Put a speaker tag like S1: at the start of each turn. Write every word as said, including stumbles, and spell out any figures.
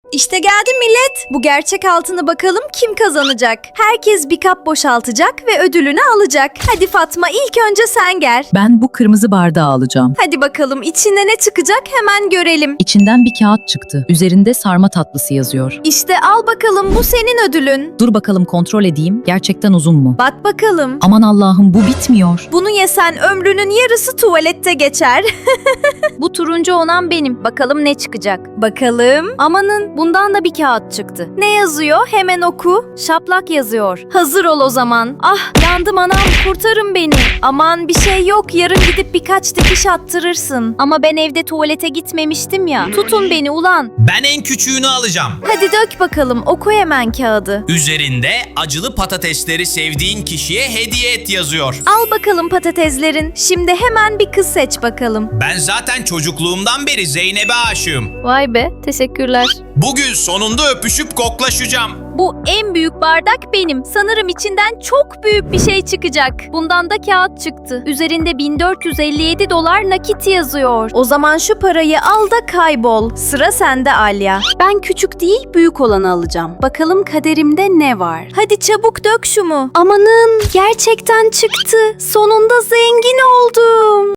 S1: İşte geldi millet. Bu gerçek altını bakalım kim kazanacak? Herkes bir kap boşaltacak ve ödülünü alacak. Hadi Fatma, ilk önce sen gel.
S2: Ben bu kırmızı bardağı alacağım.
S1: Hadi bakalım içinde ne çıkacak hemen görelim.
S2: İçinden bir kağıt çıktı. Üzerinde sarma tatlısı yazıyor.
S1: İşte al bakalım, bu senin ödülün.
S2: Dur bakalım kontrol edeyim. Gerçekten uzun mu?
S1: Bak bakalım.
S2: Aman Allah'ım, bu bitmiyor.
S1: Bunu yesen ömrünün yarısı tuvalette geçer.
S3: Bu turuncu olan benim. Bakalım ne çıkacak.
S1: Bakalım.
S3: Amanın bundan da bir kağıt çıktı.
S1: Ne yazıyor? Hemen oku.
S3: Şaplak yazıyor.
S1: Hazır ol o zaman.
S3: Ah yandım anam, kurtarın beni.
S1: Aman bir şey yok. Yarın gidip birkaç dikiş attırırsın.
S3: Ama ben evde tuvalete gitmemiştim ya. Tutun beni ulan.
S4: Ben en küçüğünü alacağım.
S1: Hadi dök bakalım. Oku hemen kağıdı.
S4: Üzerinde acılı patatesleri sevdiğin kişiye hediye et yazıyor.
S1: Al bakalım patateslerin. Şimdi hemen bir kız seç bakalım.
S4: Ben zaten çocukluğumdan beri Zeynep'e aşığım.
S3: Vay be, teşekkürler.
S4: Bugün sonunda öpüşüp koklaşacağım.
S3: Bu en büyük bardak benim. Sanırım içinden çok büyük bir şey çıkacak. Bundan da kağıt çıktı. Üzerinde bin dört yüz elli yedi dolar nakit yazıyor.
S1: O zaman şu parayı al da kaybol. Sıra sende Alya.
S5: Ben küçük değil, büyük olanı alacağım. Bakalım kaderimde ne var?
S1: Hadi çabuk dök şunu.
S5: Amanın, gerçekten çıktı. Sonunda zengin oldum.